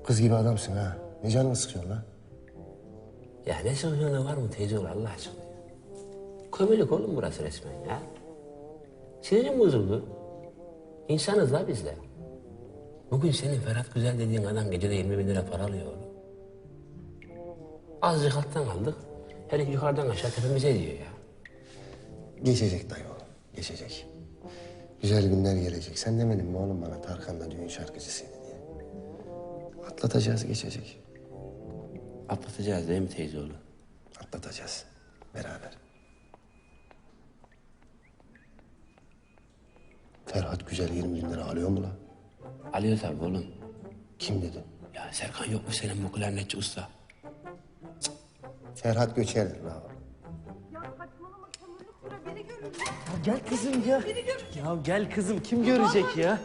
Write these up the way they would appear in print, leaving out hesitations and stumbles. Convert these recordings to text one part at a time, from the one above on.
Kız gibi adamsın ha. Ne canını sıkıyorsun lan? Ya ne sıkıyorsun var mı teyze oğlu Allah aşkına? Kömürlük oğlum burası resmen ya. Sinirim bozuldu. İnsanız la biz de. Bugün senin Ferhat Güzel dediğin adam gecede 20.000 lira para alıyor oğlum. Azıcık alttan aldık. Herif yukarıdan aşağı tepemize diyor ya. Geçecek dayı oğlum, geçecek. Güzel günler gelecek. Sen demedin mi oğlum bana Tarkan'da düğün şarkıcısıydı diye? Atlatacağız, geçecek. Atlatacağız değil mi teyze oğlu? Atlatacağız. Beraber. Ferhat Güzel 20.000 lira alıyor mu lan? Alıyor tabii oğlum. Kim dedi? Ya Serkan yok mu senin bu klarnetçi usta? Ferhat Göçer la. Ya saçmalama kömürlük bura beni görür ya. Gel kızım ya. Ya gel kızım kim görecek ya?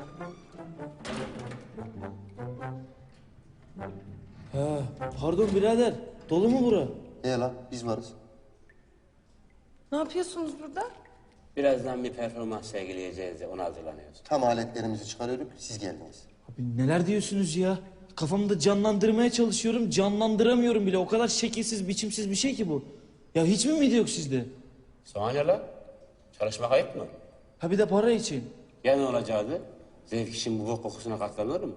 Ha, pardon birader. Dolu mu bura? La biz varız. Ne yapıyorsunuz burada? Birazdan bir performans sergileyeceğiz de ona hazırlanıyoruz. Tam aletlerimizi çıkarıyorduk, siz geldiniz. Abi neler diyorsunuz ya? Kafamda canlandırmaya çalışıyorum, canlandıramıyorum bile. O kadar şekilsiz, biçimsiz bir şey ki bu. Ya hiç mi miydi yok sizde? Sana ne lan? Çalışmak ayıp mı? Ha bir de para için. Ya ne olacaktı? Zevk için bu bok kokusuna katlanır mı?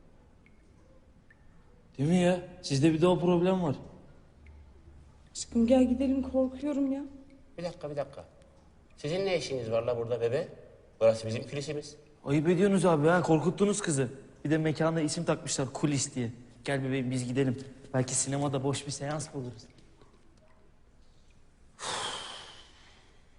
Değil mi ya? Sizde bir de o problem var. Aşkım gel gidelim korkuyorum ya. Bir dakika. Sizin ne işiniz var la burada bebe? Burası bizim kilisimiz. Ayıp ediyorsunuz abi ha, korkuttunuz kızı. Bir de mekanda isim takmışlar, kulis diye. Gel bebeğim biz gidelim. Belki sinemada boş bir seans buluruz.